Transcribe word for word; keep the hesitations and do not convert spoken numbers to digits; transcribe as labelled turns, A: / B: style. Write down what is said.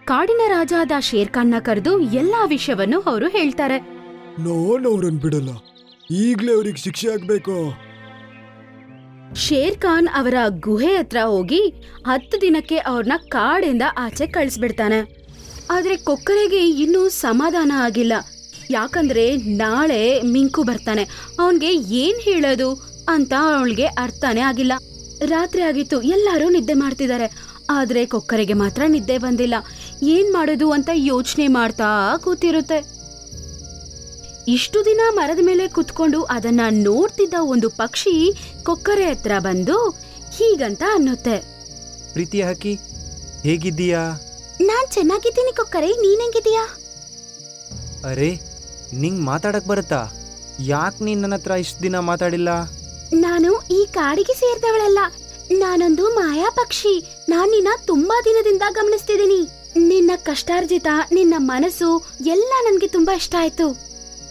A: ಕಾಡಿನ ರಾಜ ಆದ ಶೇರ್ ಖಾನ್ನ ಕರೆದು ಎಲ್ಲಾ ವಿಷಯವನ್ನು ಅವರು ಹೇಳ್ತಾರೆ.
B: ನಾನು ಅವ್ರನ್ ಬಿಡಲ್ಲ, ಈಗ್ಲೇ ಅವ್ರಿಗೆ ಶಿಕ್ಷೆ ಆಗ್ಬೇಕು.
A: ಶೇರ್ ಖಾನ್ ಅವರ ಗುಹೆ ಹತ್ರ ಹೋಗಿ ಹತ್ತು ದಿನಕ್ಕೆ ಅವ್ರನ್ನ ಕಾಡಿಂದ ಆಚೆ ಕಳಿಸ್ಬಿಡ್ತಾನೆ. ಆದ್ರೆ ಕೊಕ್ಕರೆಗೆ ಇನ್ನೂ ಸಮಾಧಾನ ಆಗಿಲ್ಲ. ಯಾಕಂದ್ರೆ ನಾಳೆ ಮಿಂಕು ಬರ್ತಾನೆ, ಅವನ್ಗೆ ಏನ್ ಹೇಳೋದು ಅಂತ ಅವಳಿಗೆ ಅರ್ಥನೇ ಆಗಿಲ್ಲ. ರಾತ್ರಿ ಆಗಿತ್ತು, ಎಲ್ಲರೂ ನಿದ್ದೆ ಮಾಡ್ತಿದ್ದಾರೆ. ಆದ್ರೆ ಕೊಕ್ಕರೆಗೆ ಮಾತ್ರ ನಿದ್ದೆ ಬಂದಿಲ್ಲ. ಏನ್ ಮಾಡೋದು ಅಂತ ಯೋಚನೆ ಮಾಡ್ತಾ ಕೂತಿರುತ್ತೆ. ಇಷ್ಟು ದಿನ ಮರದ ಮೇಲೆ ಕುತ್ಕೊಂಡು ಅದನ್ನ ನೋಡ್ತಿದ್ದ ಒಂದು ಪಕ್ಷಿ ಕೊಕ್ಕರೆ ಹತ್ರ ಬಂದು ಹೀಗಂತ ಅನ್ನುತ್ತೆ.
C: ಪ್ರೀತಿ ಹಕ್ಕಿ, ಹೇಗಿದ್ದೀಯಾ?
A: ನಾನ್ ಚೆನ್ನಾಗಿದ್ದೀನಿ ಕೊಕ್ಕರೆ, ನೀನ್ ಹೆಂಗಿದೀಯಾ?
C: ಅರೆ, ನಿಂಗ್ ಮಾತಾಡಕ್ ಬರುತ್ತಾ? ಯಾಕೆ ನೀನ್ ನನ್ನ ಹತ್ರ ಇಷ್ಟು ದಿನ ಮಾತಾಡಿಲ್ಲ?
A: ನಾನು ಈ ಕಾಡಿಗೆ ಸೇರಿದವಳಲ್ಲ, ನಾನೊಂದು ಮಾಯಾ ಪಕ್ಷಿ. ನಾನ್ ನಿನ್ನ ತುಂಬಾ ದಿನದಿಂದ ಗಮನಿಸ್ತಿದ್ದೀನಿ. ನಿನ್ನ ಕಷ್ಟಾರ್ಜಿತ, ನಿನ್ನ ಮನಸ್ಸು ಎಲ್ಲ ನನ್ಗೆ ತುಂಬಾ ಇಷ್ಟ ಆಯ್ತು.